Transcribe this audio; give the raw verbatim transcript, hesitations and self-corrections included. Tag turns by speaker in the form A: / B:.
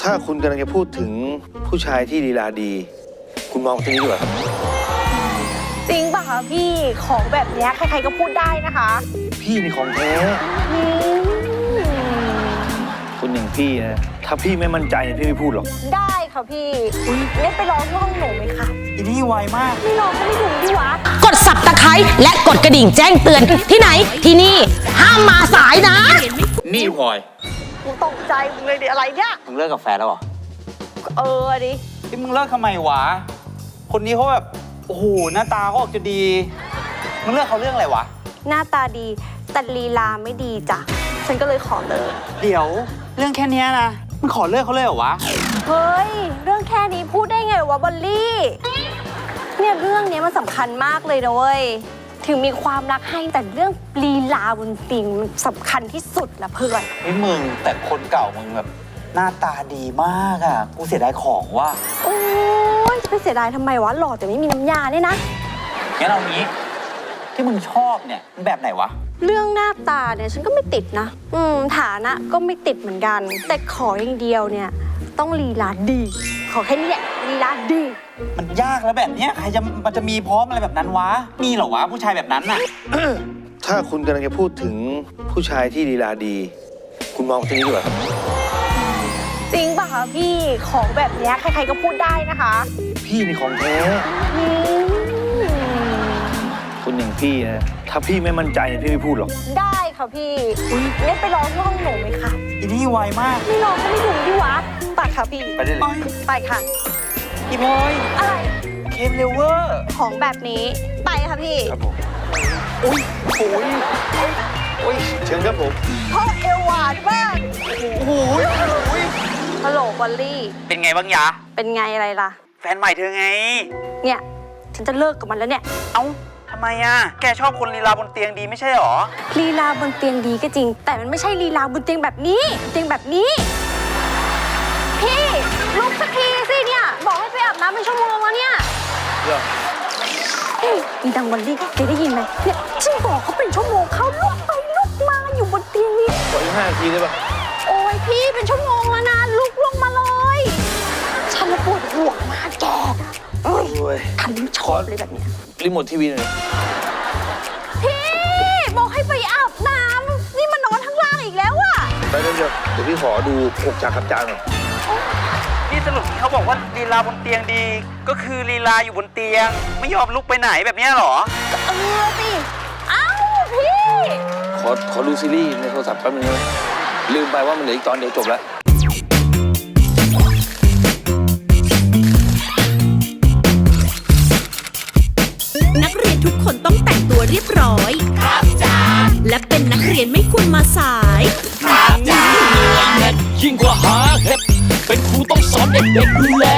A: ถ้าคุณกำลังจะพูดถึงผู้ชายที่ลีลาดีคุณมองตรงนี้ดีกว่าครับ
B: จริงป่ะคะพี่ของแบบนี้ใครๆก็พูดได้นะคะ
A: พี่นี่ของแท้คนอย่างพี่นะถ้าพี่ไม่มั่นใจพี่ไม่พูดหรอก
B: ได้ค่ะพี่งั้นไปร้องที่ห้องหนูไหมคะ
C: อีนี่ไวมาก
B: ไม่ร้องก็ไม่ถูกดิวะ
D: กดสับตะไคร้และกดกระดิ่งแจ้งเตือนที่ไหนที่นี่ห้ามมาสายนะ
A: นี่พลอย
B: กูตกใจมึงเลยดิอะไรเนี่ย
C: มึงเลิกกับแฟนแล้วเหรอ
B: เออดิ
C: ที่มึงเลิกทำไมวะคนนี้เขาแบบโอ้โหหน้าตาเขาออกจะดีมึงเลิกเขาเรื่องอะไรวะ
B: หน้าตาดีแต่ลีลาไม่ดีจ้ะฉันก็เลยขอเลิก
C: เดี๋ยวเรื่องแค่นี้นะมึงขอเลิกเขาเลยเหรอวะ
B: เฮ้ยเรื่องแค่นี้พูดได้ไงวะบอลลี่เนี่ยเรื่องนี้มันสำคัญมากเลยนะเว้ยถึงมีความรักให้แต่เรื่องลีลาบนเตียงมันสำคัญที่สุดละเพื่อน
C: ไอ้มึงแต่คนเก่ามึงแบบหน้าตาดีมากอ่ะกูเสียดายของว่ะ
B: โอ้ยจะไปเสียดายทำไมวะหล่อแต่ไม่มีน้ำยาเนี่ยนะ
C: งั้นเอางี้ที่มึงชอบเนี่ยมันแบบไหนวะ
B: เรื่องหน้าตาเนี่ยฉันก็ไม่ติดนะอืมฐานะก็ไม่ติดเหมือนกันแต่ขออย่างเดียวเนี่ยต้องลีลาดีขอแค่นี้แหละลีลาดี
C: มันยากแล้วแบบเนี้ยใครจะมันจะมีพร้อมอะไรแบบนั้นวะมีเหรอวะผู้ชายแบบนั้นน่ะ
A: ถ้าคุณกำลังจะพูดถึงผู้ชายที่ลีลาดีคุณมองตรงนี้ดีกว่าครับ
B: จริงป่ะคะพี่ของแบบนี้ใครๆก็พูดได้นะคะ
A: พี่นี่ของแท้คนอย่างพี่นะถ้าพี่ไม่มั่นใจพี่ไม่พูดหรอก
B: ได้ค่ะพี่งั้นไปร้องที่ห้องหนูไหมคะ
C: อีนี่ไวมาก
B: ไม่ร้องก็ไม่ถูกดิวะไปค่ะพี่
C: ไปได้เลย
B: ไปค่ะ
C: พี่บอย
B: อะไร
C: เคมเลเวอร์
B: ของแบบนี้ไปค่ะพี่
A: ครับผมอุ้ยโอ้ยโอ้ยเชิญครับผม
B: เพราะเอวหวานมาก
C: โอ้โห
B: ฮัลโหลบอลลี่
C: เป็นไงบ้างยะ
B: เป็นไงอะไรล่ะ
C: แฟนใหม่เธอไง
B: เนี่ยฉันจะเลิกกับมันแล้วเนี่ย
C: เอ้าทำไมอ่ะแกชอบคนลีลาบนเตียงดีไม่ใช่หรอ
B: ลีลาบนเตียงดีก็จริงแต่มันไม่ใช่ลีลาบนเตียงแบบนี้เตียงแบบนี้พี่ลุกสักทีสิเนี่ยบอกให้ไปอาบน้ำเป็นชั่วโมงแล้วเนี่ย
A: เรื่อง
B: อีดังบอลลี่แกได้ยินไหมเนี่ยฉันบอกเขาเป็นชั่วโมงเขาลุกไปลุกมาอยู่บนเตียงนี่
A: ขออีกห้านาทีได้ปะ
B: โอ้ยพี่เป็นชั่วโมงแล้วนะลุกลงมาเลยฉันปวดหัวมากแกโอ้ยฉันไม่ชอบเลยแบบนี้
A: รีโมททีวีหน่อย
B: พี่บอกให้ไปอาบน้ำนี่มันนอนข้างล่างอีกแล้วอะ
A: ไปเดี๋ยวเดี๋ยวพี่ขอดูหกจากกับจานหน่อย
C: นี่สรุปที่เขาบอกว่าลีลาบนเตียงดีก็คือลีลาอยู่บนเตียงไม่ยอมลุกไปไหนแบบนี้หรอ
B: เออสิเอ้าพี่
A: ขอขอดูซีรีส์ในโทรศัพท์แป๊บนึงนะลืมไปว่ามันเหลืออีกตอนเดียวจบแล้ว
D: นักเรียนทุกคนต้องแต่งตัวเรียบร้อยครับจ้าและเป็นนักเรียนไม่ควรมาสาย
E: ครับจ้ายิ่งกว่าหาเห็ดเป็นครูต้องสอนเด็กๆดูแล